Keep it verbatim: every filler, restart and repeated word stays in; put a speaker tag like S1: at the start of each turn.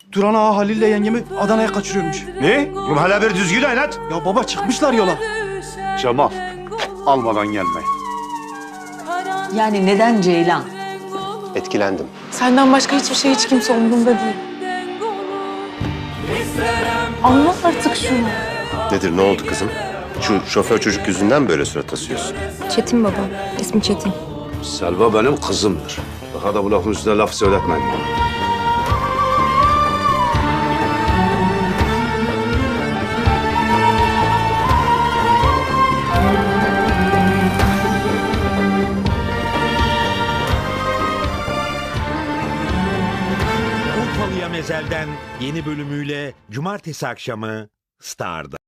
S1: Duran Ağa Halil'le yengemi Adana'ya kaçırıyormuş.
S2: Ne? Oğlum hala bir düzgün oynat.
S1: Ya baba çıkmışlar yola.
S2: Cemal, almadan gelme.
S3: Yani neden Ceylan?
S4: Etkilendim.
S5: Senden başka hiçbir şey hiç kimse umurumda değil. Anlat artık şunu.
S4: Nedir, ne oldu kızım? Şu şoför çocuk yüzünden böyle surat asıyorsun.
S6: Çetin baba. İsmi Çetin.
S2: Selva benim kızımdır. Daha da bu lafın üstüne laf söyletmeyin bana.
S7: Urfalı'ya Mezel'den yeni bölümüyle cumartesi akşamı Star'da.